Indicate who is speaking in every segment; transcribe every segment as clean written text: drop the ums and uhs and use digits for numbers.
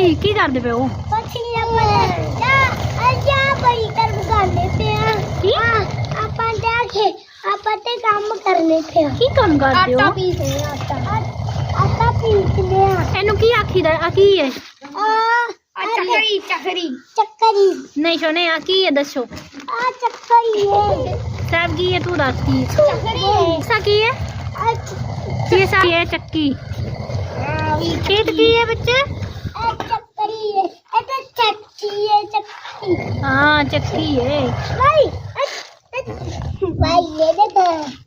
Speaker 1: की करदे पे हो
Speaker 2: काम करने पे
Speaker 1: की काम करदे हो
Speaker 2: आटा पीसने
Speaker 1: एनू की आखीदा आ की है
Speaker 2: चक्करी चक्करी चक्करी
Speaker 1: नहीं सुने आ की है दसो
Speaker 2: चक्करी है
Speaker 1: सब की है तू दस की
Speaker 2: चक्करी है
Speaker 1: सा की है ये सा है चक्की खेत की है बच्चे
Speaker 2: चक्करी है это चक्की है चक्की
Speaker 1: हाँ चक्की है
Speaker 2: भाई ये दे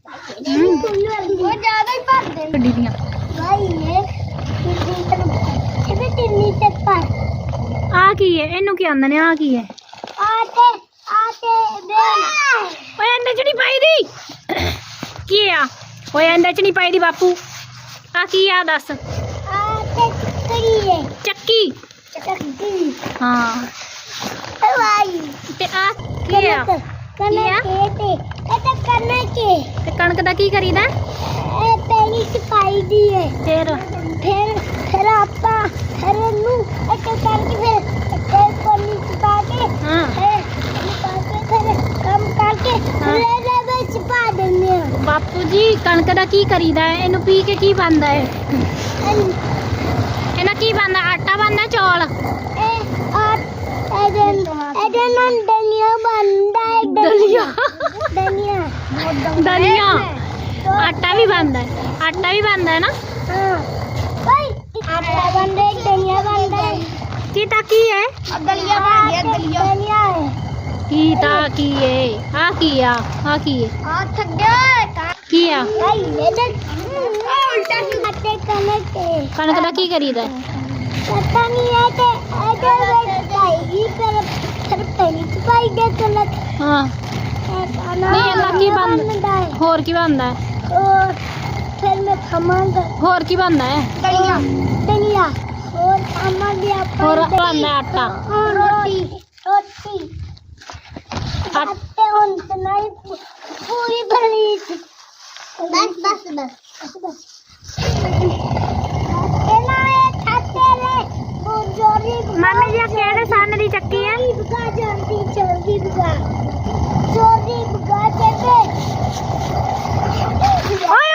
Speaker 2: वो ज्यादा ही भर दे
Speaker 1: गड्डी दियां
Speaker 2: भाई ये तिन्नी तक पर
Speaker 1: आ की है इनू की आंदा ने आ की है
Speaker 2: आटे आटे दे
Speaker 1: ओए अंदर च नहीं पाई दी की आ ओए अंदर च नहीं पाई दी बापू आ की आ दस
Speaker 2: आटे चक्करी है
Speaker 1: चक्की
Speaker 2: चक्की
Speaker 1: हाँ
Speaker 2: भाई
Speaker 1: ते आ की आ
Speaker 2: कनक के это कनक के
Speaker 1: ते कणक दा की करीदा
Speaker 2: पहली सिपाही दी है
Speaker 1: फिर
Speaker 2: आपा फिर नू ऐसे करके फिर पानी छिपा के
Speaker 1: हाँ
Speaker 2: फिर कम करके ले ले छिपा देंगे
Speaker 1: बापू जी कणक दा की करीदा है इनू पी के की बनदा है इना की बनदा आटा बनदा चौल
Speaker 2: धनिया बनता है
Speaker 1: दलिया
Speaker 2: धनिया
Speaker 1: दलिया आटा भी बनदा है ना
Speaker 2: हाँ आटा बन रहा है धनिया बन रहा है
Speaker 1: की ता की है
Speaker 2: दलिया बन गया दलिया है
Speaker 1: की ता की है आ की है
Speaker 2: आ थक गया
Speaker 1: की आ
Speaker 2: भाई ये देख उल्टा आटे
Speaker 1: कणक दा की करीदा है
Speaker 2: पता नहीं है कि आएगी फिर पहली छुपाई दे कनक
Speaker 1: हाँ नहीं इना की बनदा है होर की बनदा है
Speaker 2: और फिर मैं खमाऊंगा
Speaker 1: होर की बनदा है
Speaker 2: दलिया दलिया और खामा भी
Speaker 1: होर बनदा है आटा
Speaker 2: और रोटी आटे उनसे नहीं पूरी भरी बस
Speaker 1: मामे जी केड़े सन दी चक्की है
Speaker 2: जल्दी बुगा चेते
Speaker 1: ओए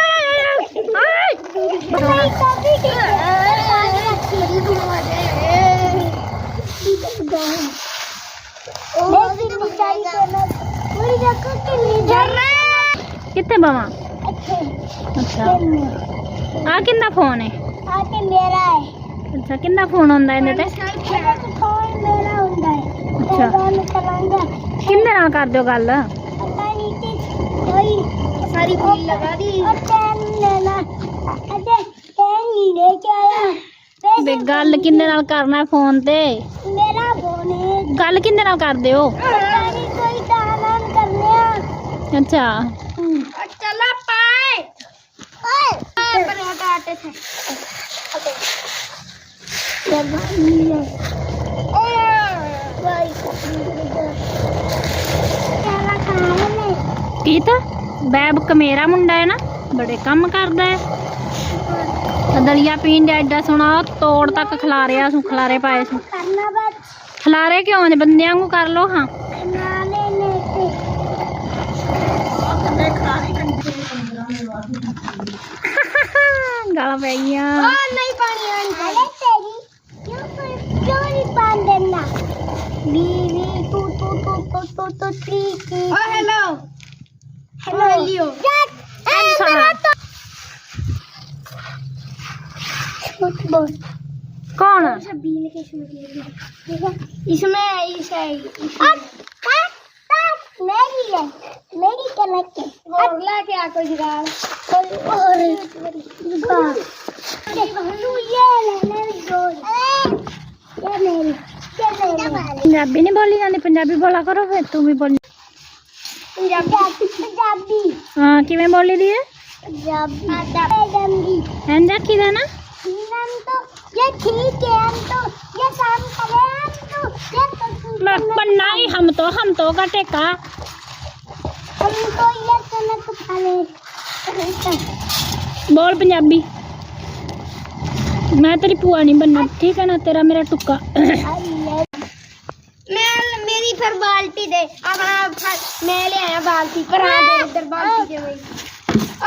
Speaker 1: कितने बावा अच्छा आ किंदा फोन है
Speaker 2: आके मेरा है
Speaker 1: अच्छा किंदा फोन होंदा है ते
Speaker 2: फोन मेरा होंदा है
Speaker 1: अच्छा
Speaker 2: मैं करांगा
Speaker 1: किंदे नाल कर दियो गल
Speaker 2: पता नहीं कि कोई सारी बिल लगा दी और पेन लेना अरे पेन नहीं लेके आया
Speaker 1: बे गल किंदे नाल करना है फोन ते
Speaker 2: मेरा फोन है
Speaker 1: गल किंदे नाल कर दियो
Speaker 2: सारी कोई दान करने
Speaker 1: अच्छा
Speaker 2: चला पाए ओए पराठा आटे थे
Speaker 1: की था बैब मेरा मुंडा है ना बड़े कम करदा है दलिया पीन दे एडा सोना तोड़ तक खलारे सू खलारे पाए सू खलारे क्यों ने बंदे वांगू कर लो हाँ गाला पै गईयां
Speaker 2: नहीं पानी अरे तेरी क्यों नहीं पान देना बीवी तू ठीक है ओ हेलो लियो
Speaker 1: कौन
Speaker 2: इसमें मेरी कनक और लाके आ कोई जुगाड़ और जुगाड़
Speaker 1: पंजाबी नहीं बोली जाती पंजाबी बोला करो फिर तू भी बोली
Speaker 2: पंजाबी
Speaker 1: हाँ किवें बोली दी है
Speaker 2: पंजाबी
Speaker 1: एंड रखी दा ना
Speaker 2: तो ये ठीक है हम तो ये काम करें हम तो ये तो
Speaker 1: पन्ना ही हम तो का टेका
Speaker 2: हम तो ये कनक खा ले
Speaker 1: बोल पंजाबी मैं तेरी पुआ नहीं बनना, ठीक है ना, तेरा मेरा टुक्का।
Speaker 2: मैं मेरी फिर बाल्टी दे अपना, मैं ले आया बाल्टी पर, इधर बाल्टी दे भाई।